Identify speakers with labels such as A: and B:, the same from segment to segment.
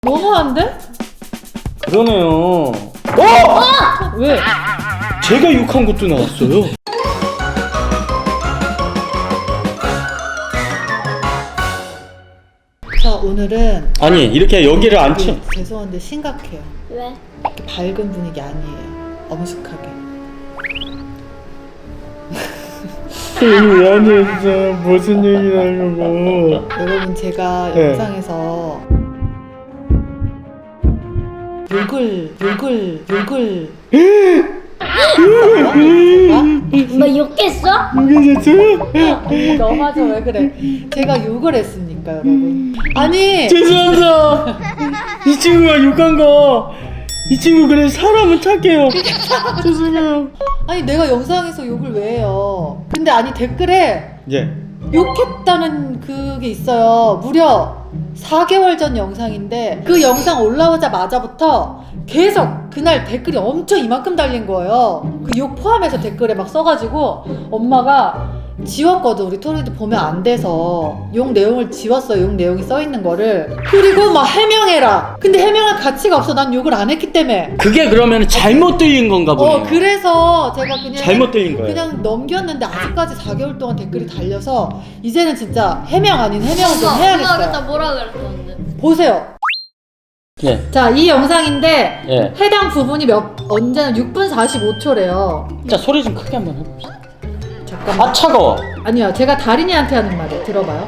A: 너무한데?
B: 그러네요.
A: 왜?
B: 제가 욕한 것도 나왔어요.
A: 자, 오늘은
B: 아니 이렇게 여기를 안 치.
A: 죄송한데 심각해요.
C: 왜?
A: 밝은 분위기 아니에요. 엄숙하게.
B: 미안해 진짜 무슨 얘기 하려고.
A: 여러분 제가
B: 네.
A: 영상에서 욕을
C: 뭐 욕했어?
B: 이게
A: 너 맞아 왜 그래? 제가 욕을 했습니까 여러분? 아니
B: 죄송합니다. 이 친구가 욕한 거. 이 친구 그래 사람은 착해요. 죄송해요.
A: 아니 내가 영상에서 욕을 왜 해요? 근데 아니 댓글에
B: 예.
A: 욕했다는 그게 있어요. 무려 4개월 전 영상인데 그 영상 올라오자마자부터 계속 그날 댓글이 엄청 이만큼 달린 거예요. 그 욕 포함해서 댓글에 막 써가지고 엄마가 지웠거든. 우리 토리도 보면 안 돼서 욕 내용을 지웠어. 욕 내용이 써있는 거를. 그리고 막 해명해라. 근데 해명할 가치가 없어. 난 욕을 안 했기 때문에.
B: 그게 그러면 잘못 들린 건가 보네요.
A: 그래서 제가 그냥
B: 잘못 들린 거예요.
A: 그냥 넘겼는데 아직까지 4개월 동안 댓글이 달려서 이제는 진짜 해명 아닌 해명을 좀
C: 엄마
A: 해야겠어요.
C: 그때 뭐라 그랬었는데?
A: 보세요.
B: 예.
A: 자, 이 영상인데
B: 예.
A: 해당 부분이 언제나 6분 45초래요.
B: 자 소리 좀 크게 한번 해봅시다.
A: 잠깐만.
B: 아 차가워.
A: 아니요, 제가 다린이한테 하는 말이에요. 들어봐요.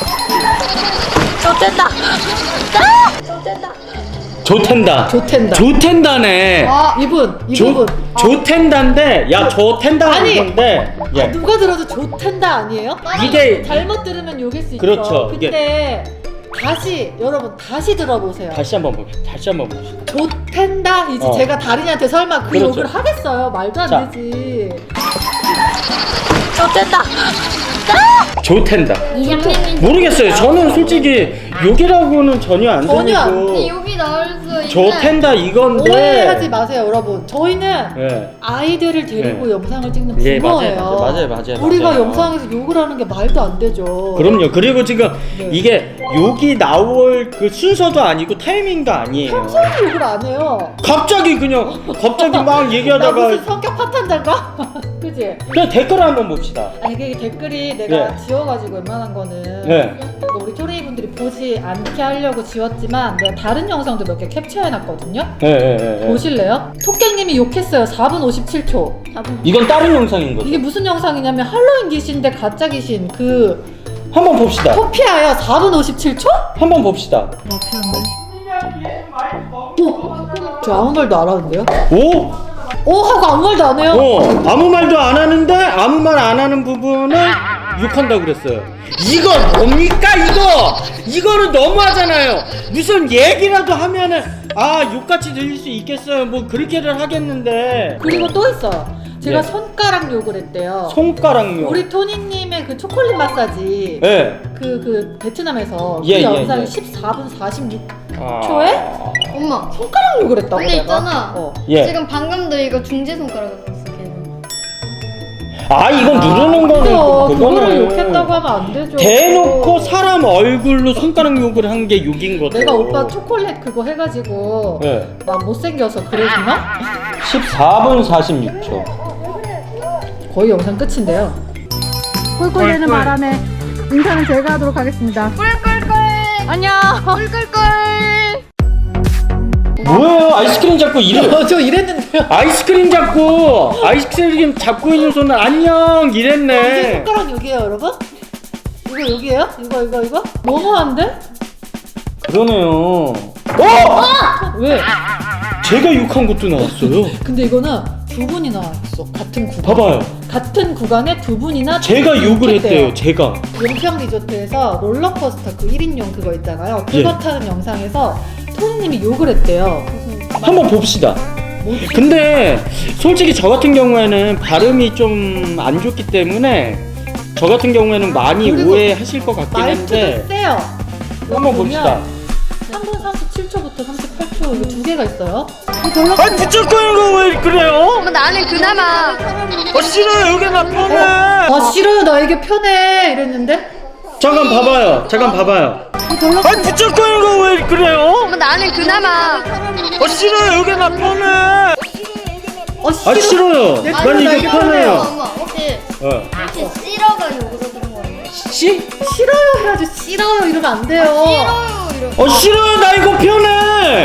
C: 좋댄다. 좋댄다.
B: 좋텐다.
A: 좋텐다.
B: 좋텐다네.
A: 이 부분.
B: 좋텐다인데 야 좋텐다는
A: 아니.
B: 건데 예.
A: 누가 들어도 좋텐다 아니에요?
B: 이게
A: 잘못 들으면 욕일 수 있죠.
B: 그렇죠.
A: 근데 여러분 다시 들어보세요.
B: 다시 한번 봅시다.
A: 좋텐다 이제 제가 다린이한테 설마 그
B: 그렇죠.
A: 욕을 하겠어요? 말도 안
B: 자.
A: 되지.
C: 좋댄다.
B: 좋텐다.
C: 이장님이
B: 모르겠어요. 저는 솔직히 욕이라고는 전혀 안
A: 전혀 안
B: 들리고
C: 욕이 나올 수 있는.
B: 좋텐다 이건데.
A: 오해하지 마세요, 여러분. 저희는
B: 예.
A: 아이들을 데리고 영상을 찍는
B: 예,
A: 부모예요.
B: 맞아요.
A: 우리가 영상에서 욕을 하는 게 말도 안 되죠.
B: 그럼요. 그리고 지금
A: 네.
B: 이게 욕이 나올 그 순서도 아니고 타이밍도 아니에요.
A: 평소에 욕을 안 해요.
B: 갑자기 막
A: 나
B: 얘기하다가
A: 무슨 성격 파탄자인가? 그지?
B: 그냥 댓글을 한번 봅시다.
A: 아니 이게 댓글이 내가
B: 네.
A: 지워가지고 웬만한 거는
B: 네.
A: 우리 토리 분들이 보지 않게 하려고 지웠지만 내가 다른 영상도 몇 개 캡처해놨거든요.
B: 예.
A: 보실래요? 토깽님이 욕했어요. 4분 57초.
B: 이건 다른 영상인 거죠.
A: 이게 무슨 영상이냐면 할로윈 귀신인데 가짜 귀신 그
B: 한번 봅시다.
A: 토피아야. 4분 57초?
B: 한번 봅시다.
A: 저 아무 말도 안 하는데요?
B: 오?
A: 하고 아무 말도 안 해요?
B: 아무 말도 안 하는데 아무 말 안 하는 부분을 욕한다고 그랬어요. 이거 뭡니까 이거? 이거는 너무하잖아요. 무슨 얘기라도 하면은 욕같이 들릴 수 있겠어요. 뭐 그렇게를 하겠는데.
A: 그리고 또 있어요. 제가
B: 예.
A: 손가락 욕을 했대요.
B: 손가락요.
A: 우리 토니님의 그 초콜릿 마사지
B: 예.
A: 그 베트남에서
B: 예,
A: 그
B: 예,
A: 영상이
B: 예.
A: 14분 46초에
C: 엄마.
A: 손가락 욕을 했다고
C: 근데
A: 내가.
C: 있잖아.
B: 예.
C: 지금 방금도 이거 중지 손가락을 썼어. 걔는.
B: 이건 누르는 거는
A: 그거를 욕했다고 하면 안 되죠.
B: 대놓고 사람 얼굴로 손가락 욕을 한 게 욕인 거죠.
A: 내가 오빠 초콜릿 그거 해가지고
B: 네.
A: 막 못생겨서 그랬나?
B: 14분 46초.
A: 거의 영상 끝인데요. 꿀꿀대는 바람에 인사는 제가 하도록 하겠습니다.
C: 꿀꿀꿀.
A: 안녕.
C: 꿀꿀꿀.
B: 뭐예요? 아이스크림 잡고
A: 저 이랬는데요.
B: 아이스크림 잡고 있는 손을 안녕
A: 이게
B: 이랬네.
A: 손가락 욕이에요, 여러분? 이거 욕이에요? 이거? 너무한데?
B: 그러네요.
A: 왜?
B: 제가 욕한 것도 나왔어요.
A: 근데 이거는 두 분이나 했어. 같은 구간.
B: 봐봐요.
A: 같은 구간에 두 분이나
B: 제가 욕을 했대요. 제가.
A: 용평 리조트에서 롤러코스터 그 1인용 그거 있잖아요. 그거
B: 예.
A: 타는 영상에서 토니님이 욕을 했대요.
B: 한번 봅시다.
A: 뭐지?
B: 근데 솔직히 저 같은 경우에는 발음이 좀 안 좋기 때문에 저 같은 경우에는 많이
A: 그리고
B: 오해하실 것 같긴
A: 말투도
B: 한데
A: 세요.
B: 한번 봅시다.
A: 3분 37초부터 38초 이거 두 개가 있어요.
B: 붙잡고는 거 왜 그래요?
C: 엄마 나는 그나마.
B: 싫어요. 여기 나 편해.
A: 싫어요. 나에게 편해. 이랬는데
B: 잠깐 봐봐요. 아니 무조건 이거 왜 그래요?
C: 엄마 나는 그나마
B: 싫어요. 여기 나 편해.
A: 싫어.
B: 싫어요.
A: 내
B: 난
A: 편해,
B: 이게
A: 이게
B: 편해요.
C: 엄마 혹시
B: 어.
C: 싫어가 욕으로 들은 거 아니에요?
A: 싫어요 해야지. 싫어요 이러면 안 돼요.
C: 싫어요 이런
B: 싫어요. 나 이거 편해.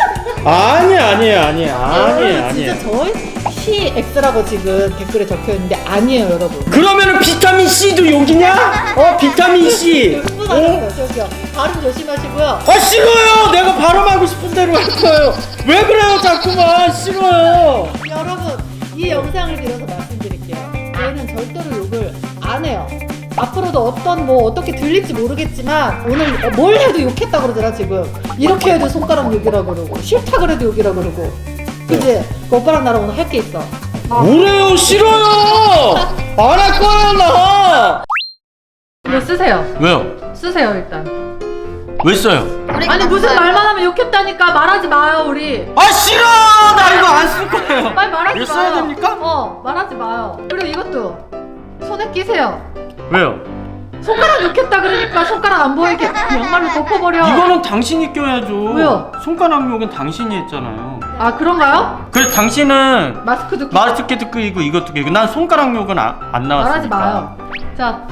B: 아니에요.
A: 진짜 저희 CX라고 지금 댓글에 적혀 있는데 아니에요, 여러분.
B: 그러면은 비타민 C도 여기냐? 비타민 C.
A: 흥분 하셨어요, 저기요. 발음 조심하시고요.
B: 싫어요. 내가 발음하고 싶은 대로 할 거예요. 왜 그래요, 자꾸만. 싫어요.
A: 여러분, 이 영상을 빌어서 말씀드릴게요. 저희는 절대로 욕을 안 해요. 앞으로도 어떻게 들릴지 모르겠지만 오늘 뭘 해도 욕했다 그러더라 지금. 이렇게 해도 손가락 욕이라 그러고 싫다 그래도 욕이라 그러고. 그치? 그 오빠랑 나랑 오늘 할 게 있어.
B: 뭐래요? 싫어요. 안 할 거예요, 나.
A: 이거 쓰세요.
B: 왜요?
A: 쓰세요 일단.
B: 왜 써요?
A: 아니 무슨 말만 하면 욕했다니까. 말하지 마요 우리.
B: 싫어. 나 이거 안 쓸 거예요.
A: 빨리 말하지 마요.
B: 이거 써야 됩니까?
A: 말하지 마요. 그리고 이것도 손에 끼세요.
B: 왜요?
A: 손가락 욕했다 그러니까 손가락 안 보이게 양말로 덮어버려.
B: 이거는 당신이 껴야죠.
A: 왜요?
B: 손가락 욕은 당신이 했잖아요.
A: 아 그런가요?
B: 그래 당신은
A: 마스크도 끼고.
B: 마스크도 끼고 이것도 끼고 난 손가락 욕은 안 나왔으니까.
A: 말하지 마요. 자.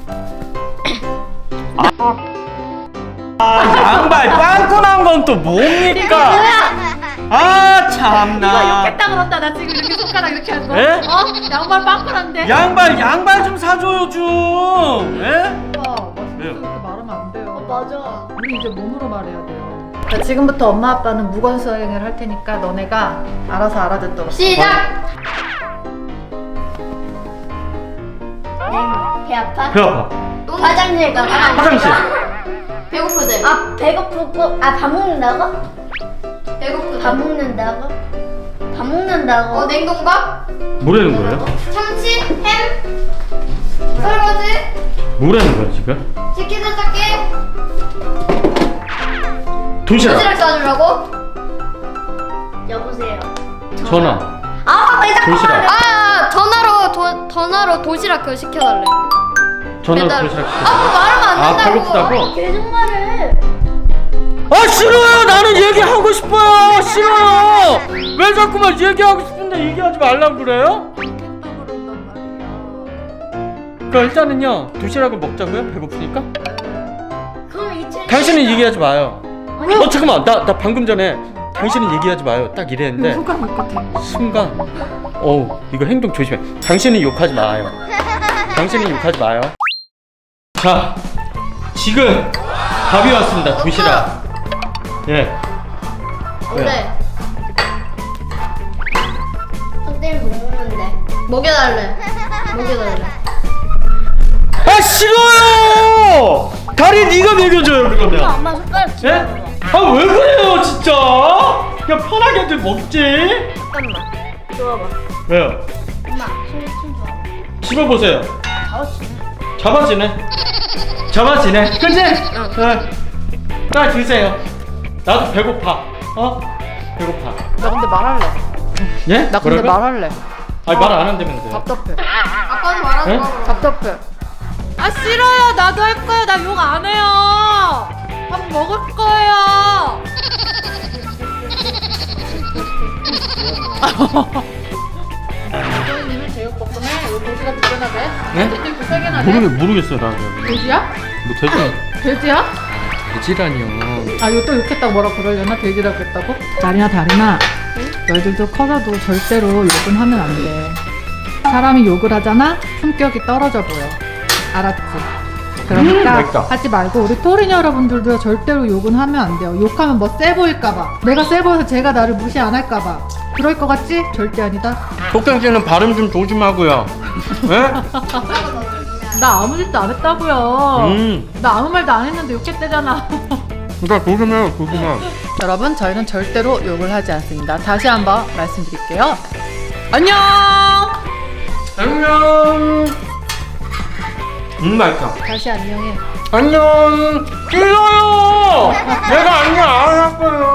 B: 양발 빵꾸 난 건 또 뭡니까?
A: 이거
B: 참나.
A: 욕했다 그런다. 나 지금 이렇게 손가락 이렇게 한 거.
B: 에?
A: 양말 빵꾸난데.
B: 양발 좀 사줘요 좀. 에?
A: 오빠,
B: 왜요?
A: 그렇게 말하면 안 돼요.
C: 맞아
A: 우리 이제 몸으로 말해야 돼요. 자, 지금부터 엄마 아빠는 무건 수행을 할 테니까 너네가 알아서 알아듣도록.
C: 시작! 배 아파?
B: 배 아파.
C: 화장실 가
B: 화장실.
C: 배고프대 배고프고 밥 먹는다고? 배고프대 밥 먹는다고? 밥 먹는다고? 냉동밥?
B: 뭐라는 거예요?
C: 참치? 햄? 설거지?
B: 뭐라는 거야 지금?
C: 치킨 세탁기?
B: 도시락.
C: 도시락 싸주려고? 여보세요
B: 전화.
C: 왜 자꾸
B: 도시락.
C: 말해 전화로 도시락 그거 시켜달래
B: 전화
C: 배달.
B: 도시락.
C: 그거 말하면 안 된다고
B: 배고프다고?
C: 계속 말해
B: 싫어요. 나는 얘기하고 싶어요. 싫어요. 왜 자꾸만 얘기하고 싶은데 얘기하지 말라고 그래요? 그러니까 일단은요 도시락을 먹자고요. 배고프니까.
C: 그럼 이틀
B: 당신은 얘기하지 마요. 잠깐만. 나 방금 전에 당신은 얘기하지 마요. 딱 이랬는데
A: 손가락 욕 같아.
B: 순간 이거 행동 조심해. 당신은 욕하지 마요. 당신은 욕하지 마요. 자, 지금 밥이 왔습니다. 도시락. 예.
C: 그래 손 때문에 못 먹는데 먹여달래
B: 싫어요. 다리 네가 먹여줘요 그러면.
C: 엄마 손가락
B: 예? 왜 그래요 진짜? 그냥 편하게들 먹지.
C: 잠깐만 줘봐
B: 왜요?
C: 엄마 손 줘봐
B: 씹어보세요. 잡아지네. 그치? 응. 딱 드세요. 나도 배고파. 배고파.
A: 나 근데 말할래.
B: 예?
A: 나 근데
B: 뭐라고요?
A: 말할래.
B: 아니 말 안 한다면서요.
A: 답답해.
C: 아빠는 말하는
B: 예?
C: 거
A: 답답해. 싫어요. 나도 할 거예요. 나 욕 안 해요. 밥 먹을 거예요. 선생님은 제육볶음에 요 돼지가 2개나 돼?
B: 네?
A: 돼지 3개나 돼?
B: 모르겠어요 나.
A: 돼지야?
B: 뭐 돼지?
A: 돼지야?
B: 돼지라니요.
A: 이거 또 욕했다고 뭐라 그러려나? 돼지라고 했다고? 다리나 너희들도 커서도 절대로 욕은 하면 안 돼. 사람이 욕을 하잖아? 품격이 떨어져 보여. 알았지? 그러니까
B: 맛있다.
A: 하지 말고 우리 토린 여러분들도 절대로 욕은 하면 안 돼요. 욕하면 뭐 세 보일까봐. 내가 세 보여서 제가 나를 무시 안 할까봐. 그럴 것 같지? 절대 아니다.
B: 속경 씨는 발음 좀 조심하고요. 예?
A: 나 아무 짓도 안 했다고요. 나 아무 말도 안 했는데 욕했대잖아.
B: 그러니까 조심해요.
A: 여러분, 저희는 절대로 욕을 하지 않습니다. 다시 한번 말씀드릴게요. 안녕.
B: 안녕. 맛있다.
A: 다시 안녕해.
B: 안녕. 싫어요. 내가 안녕 안 할 거예요.